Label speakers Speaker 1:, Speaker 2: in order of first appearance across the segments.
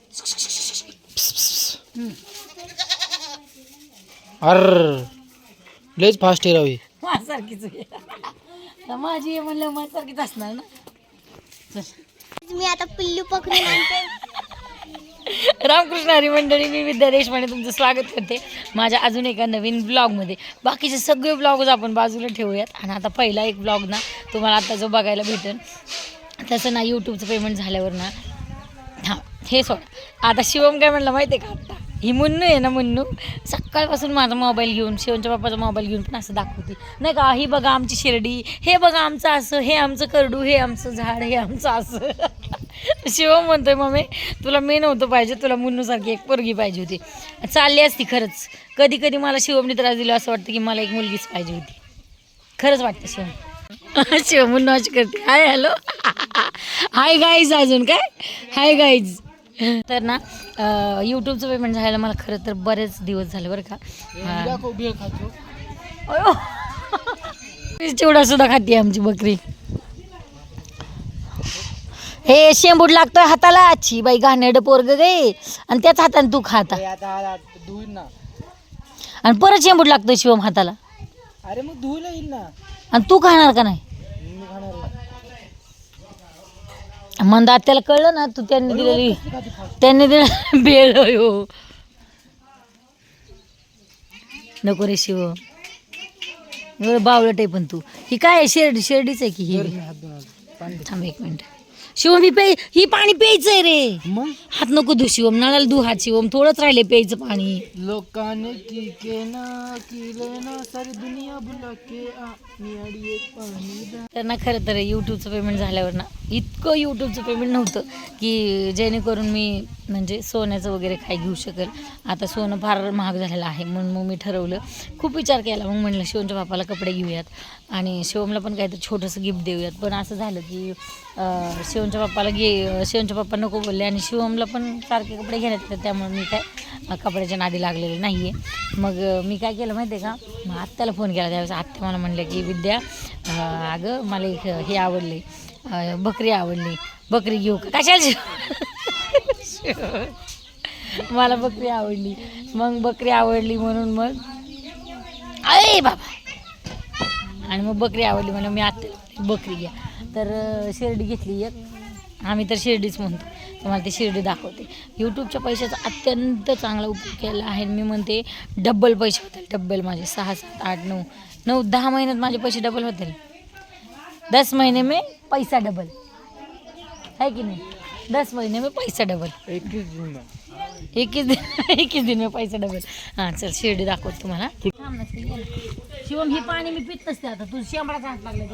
Speaker 1: अर लयच फास्ट आहे रावी.
Speaker 2: माझ्यासारखीच माझी आहे म्हणलं माझ्यासारखीच असणार ना.
Speaker 3: मी आता पिल्लू पकडून आणते.
Speaker 2: रामकृष्ण हरी मंडळी, मी विद्या देशपांडे तुमचं स्वागत करते माझ्या अजून एका नवीन ब्लॉगमध्ये. बाकीचे सगळे ब्लॉगच आपण बाजूला ठेवूयात आणि आता पहिला एक ब्लॉग ना तुम्हाला आता जो बघायला भेटेल तसं ना यूट्यूबचं पेमेंट झाल्यावर ना हां हे सोडा. आता शिवम काय म्हणलं माहिती आहे का, आता ही मुन्नू आहे ना, मुन्नू सकाळपासून माझा मोबाईल घेऊन शिवमच्या बाप्पाचा मोबाईल घेऊन पण असं दाखवते नाही का, ही बघा आमची शिर्डी, हे बघा आमचं असं, हे आमचं करडू, हे आमचं झाड, हे आमचं असं. शिवम म्हणतोय मम्मी तुला मी नव्हतं पाहिजे, तुला मुन्नूसारखी एक पोरगी पाहिजे होती. चालली असती खरंच. कधी कधी मला शिवमने त्रास दिला असं वाटतं की मला एक मुलगीच पाहिजे होती. खरंच वाटतं शिवम. शिवम मुन्नू अशी करते. Hi hello hi guys. अजून काय हाय गाईज. तर ना यूट्यूबचं पेमेंट झालं मला खरं तर बरेच दिवस झाले बरं का. चिवडा सुद्धा खाते आमची बकरी. हे शेंबूड लागतोय हाताला. अच्छी बाई घाणेरडं पोरग गे आणि त्याच हाताने तू खाता आणि परत शेंबूड लागतोय शिवम हाताला.
Speaker 1: अरे मग धुवलं येईल ना.
Speaker 2: आणि तू खाणार का नाही. मंदात त्याला कळलं ना तू त्यांनी दिलेली दिलं बेळ हो. नको रे शिव बावळट आहे पण तू. ही काय आहे शेरडीच आहे की ही. थांब एक मिनिट शिवम ही पाणी प्यायचंय रे.
Speaker 1: मग
Speaker 2: हात नको धु शिवम, नळाला धु हात शिवम, थोडंच राहिले प्यायचं पाणी.
Speaker 1: लोकांनी की केना सारी दुनिया बुला के
Speaker 2: त्यांना खरं तर यूट्यूबचं पेमेंट झाल्यावर ना इतकं यूट्यूबचं पेमेंट नव्हतं की जेणेकरून मी म्हणजे सोन्याचं वगैरे काय घेऊ शकेल. आता सोनं फार महाग झालेलं आहे म्हणून मग मी ठरवलं, खूप विचार केला. मग म्हणलं शिवमच्या बापाला कपडे घेऊयात आणि शिवमला पण काहीतरी छोटंसं गिफ्ट देऊयात. पण असं झालं की शिवमच्या बाप्पा नको बोलले आणि शिवमला पण सारखे कपडे घेण्यात येतात. त्यामुळे मी काय कपड्याच्या नादी लागलेले नाही आहे. मग मी काय केलं माहिती आहे का, मग आत्याला फोन केला. त्यावेळेस आत्या मला म्हणल्या की विद्या अगं मला एक हे आवडले, बकरी आवडली, बकरी घेऊ का. कशाला मला बकरी आवडली. मग बकरी आवडली म्हणून मग अरे बाबा आणि मग बकरी आवडली म्हणून मी आत्याला बकरी घ्या. तर शिर्डी घेतली एक. आम्ही तर शिर्डीच म्हणतो. तुम्हाला ती शिर्डी दाखवते. यूट्यूबच्या पैशाचा अत्यंत चांगला उपयोग केला आहे. मी म्हणते डब्बल पैसे होतील. डब्बल माझे 6, 7, 8, 9, 10 महिन्यात माझे पैसे डबल होतील. 10 महीने में पैसा डबल है की नाही. 10 महीने में पैसा डबल. 21 दिन में पैसा डबल. हां चल शिर्डी दाखवत तुम्हाला. शिवम ही पाणी मी पित नसते. आता तू शेंबडाचा हात लागला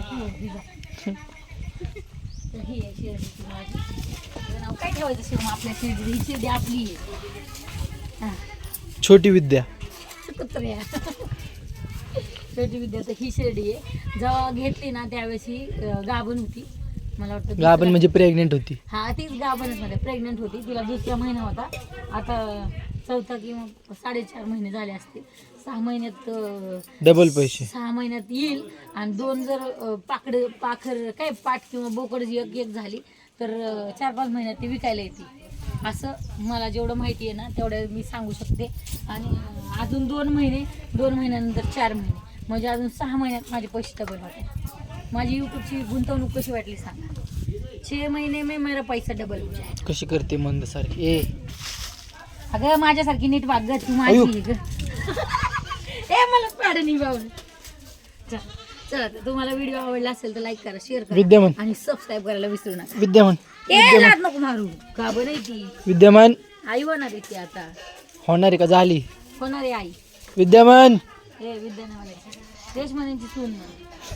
Speaker 2: तर ही आहे शिर्डीची माझी. नाव काय ठेवायचं शिवम आपल्या शिर्डी. ही शिर्डी आपली आहे.
Speaker 1: छोटी विद्या.
Speaker 2: कुत्र्या छोटी विद्या. तर ही शिर्डी आहे. जेव्हा घेतली ना त्यावेळेस ही गाभण होती. मला वाटतं
Speaker 1: गाभण म्हणजे प्रेग्नेंट होती.
Speaker 2: हा तीच गाभणच मध्ये प्रेग्नेंट होती. तिला 2रा महिना होता. आता 4था किंवा 4.5 महिने झाले असतील. 6 महिन्यात
Speaker 1: डबल पैसे.
Speaker 2: 6 महिन्यात येईल. आणि 2 जर पाखर काय पाठ किंवा बोकड जी एक झाली तर 4-5 महिन्यात ती विकायला येते. असं मला जेवढं माहिती आहे ना तेवढं मी सांगू शकते. आणि अजून 2 महिन्यानंतर 4 महिने म्हणजे अजून 6 महिन्यात माझे पैसे डबल होते. माझी यूट्यूबची गुंतवणूक कशी वाटली सांगा. 6 महिने में मेरा पैसा डबल हो जाए.
Speaker 1: कशी करते मंद सारखी. ए
Speaker 2: अगं माझ्यासारखी नीट वाग ग तू माझी ग. ए मला पाड नाही बावलं. चला तुम्हाला व्हिडिओ आवडला असेल तर लाईक करा, शेअर करा
Speaker 1: विद्यमान
Speaker 2: आणि सबस्क्राईब करायला विसरू नका.
Speaker 1: विद्यमान
Speaker 2: लाट नको मारू. का बरं नाही ती
Speaker 1: विद्यमान
Speaker 2: आई होणार आहे ती. आता
Speaker 1: होणार आहे का झाली
Speaker 2: होणार आहे आई.
Speaker 1: विद्यमान.
Speaker 2: हे विद्यानावाल्याची देशमानेंची सून ना.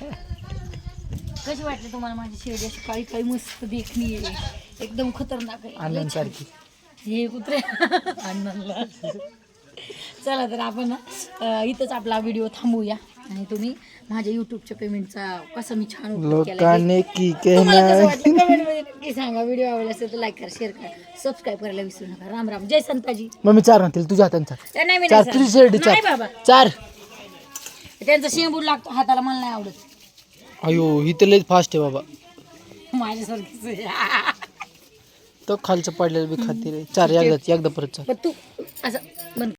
Speaker 2: कशी वाटली तुम्हाला माझी शिर्डी. अशी काळी काळी मस्त देखणी आहे. एकदम खतरनाक आहे.
Speaker 1: आनंद सारखी.
Speaker 2: हे कुत्रे अण्णांना. चला तर आपण इथंच आपला व्हिडिओ थांबवूया आणि तुम्ही माझ्या यूट्यूबच्या पेमेंटचा कसं मी छान उपयोग केला
Speaker 1: लोकांनी की
Speaker 2: कमेंटमध्ये नक्की सांगा. व्हिडिओ आवडला असेल तर लाईक करा, शेअर करा, सबस्क्राईब करायला विसरू नका. राम राम. जय संताजी.
Speaker 1: मग मी 4 म्हणतील तुझ्या हातांचा.
Speaker 2: नाही मी
Speaker 1: 4 तुझी शिर्डी.
Speaker 2: नाही बाबा
Speaker 1: 4.
Speaker 2: त्यांचा शेंबूड लागतो हाताला. मला नाही आवडत.
Speaker 1: अयो ही तर लई फास्ट आहे बाबा.
Speaker 2: माझ्यासारखीच
Speaker 1: तो खालचं पडलेलं बी खाते रे. चार एकदा परत चार.
Speaker 2: पण तू असं बंद